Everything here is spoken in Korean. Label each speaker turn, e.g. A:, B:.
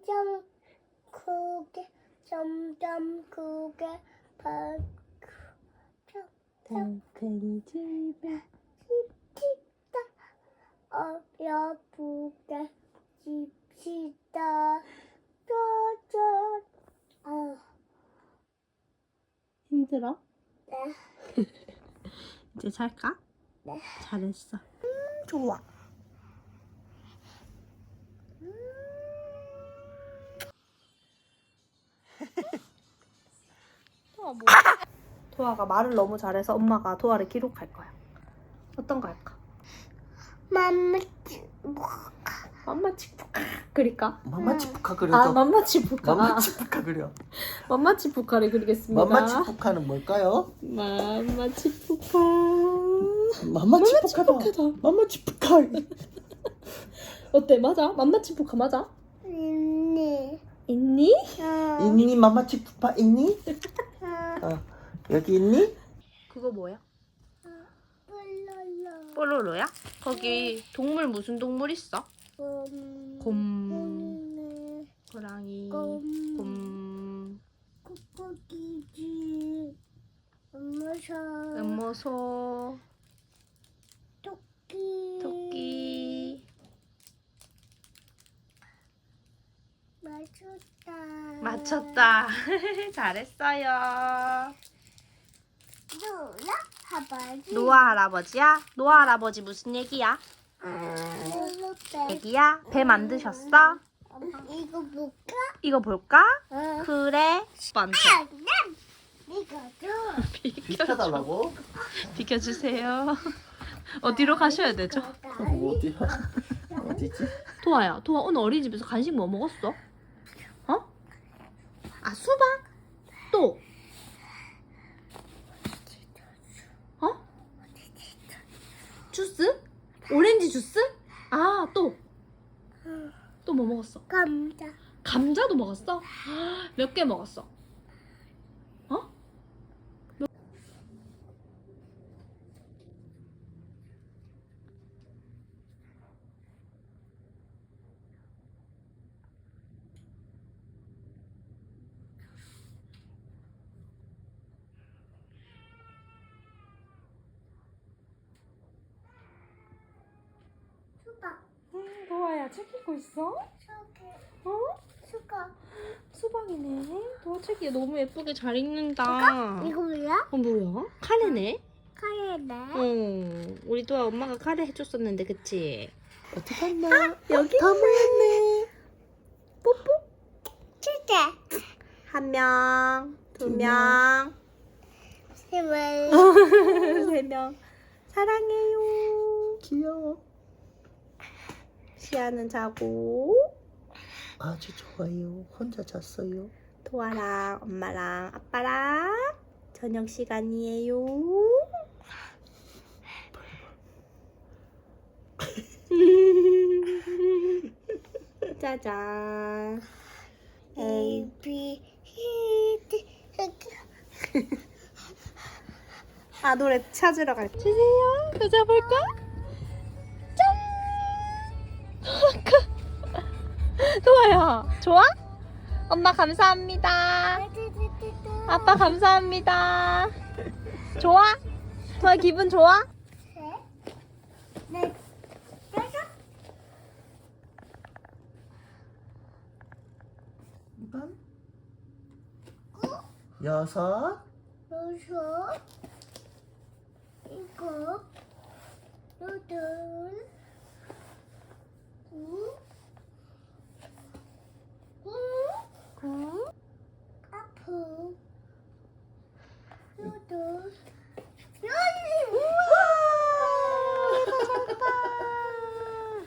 A: 점점 크게 점점 크게
B: 달팽이 집에
A: 집시다 어여쁘게 집시다 뾰족
B: 힘들어?
A: 네.
B: 이제 잘까?
A: 네.
B: 잘했어. 좋아. 도아가 말을 너무 잘해서 엄마가 도아를 기록할 거야. 어떤 거 할까?
A: 맘마
B: 맘마치푸카 그릴까?
C: 맘마치푸카 그려줘.
B: 아 맘마치푸카.
C: 맘마치푸카 그려.
B: 맘마치푸카를 그리겠습니다.
C: 맘마치푸카는 뭘까요?
B: 맘마치푸카.
C: 맘마치푸카다. 맘마치푸카.
B: 어때? 맞아? 맘마치푸카 맞아?
A: 있니
B: 있니?
C: 있니 맘마치푸카 있니? 여기 있니?
B: 그거 뭐야?
A: 뿔랄라
B: 뽀로로야? 거기 동물 무슨 동물 있어? 곰, 호랑이, 곰,
A: 코코기지 엄마사
B: 음모소,
A: 토끼
B: 토끼.
A: 맞췄다
B: 맞췄다. 잘했어요.
A: 누나 할아버지
B: 노아 할아버지야? 노아 할아버지 무슨 얘기야? 얘기야? 배 만드셨어?
A: 이거 볼까?
B: 이거 볼까?
A: 응.
B: 그래. 오빠한테
A: 이거 줘
C: 비켜달라고?
B: 비켜주세요. 어디로 가셔야 되죠?
C: 어디야? 어디지?
B: 도아야, 도아 오늘 어린이집에서 간식 뭐 먹었어? 어? 아 수박? 또? 어? 주스? 오렌지 주스? 아 또? 또 뭐 먹었어?
A: 감자
B: 감자도 먹었어? 몇 개 먹었어? 어?
A: 수박
B: 도아야 책 읽고 있어?
A: 저기
B: 어?
A: 수박
B: 수박이네. 도아 책이 너무 예쁘게 잘 읽는다.
A: 이거 뭐야?
B: 뭐야? 카레네?
A: 카레네
B: 응. 우리 도아 엄마가 카레 해줬었는데 그치?
C: 어디 갔나?
B: 여기
C: 다 모였네.
A: 주제
B: 한 명, 두
C: 두
B: 명,
A: 힘을
B: 세 명. 사랑해요.
C: 귀여워.
B: 시아는 자고
C: 아주 좋아요. 혼자 잤어요.
B: 도아랑 엄마랑 아빠랑 저녁 시간이에요. 짜잔.
A: A B C D
B: 아 노래 찾으러 갈게. 주세요. 여자 볼까? 짠. 도아야 좋아? 엄마 감사합니다. 아빠 감사합니다. 좋아? 도아 기분 좋아?
A: 네
C: 이번 여섯
A: 여섯 일곱 여덟 구 아프 여덟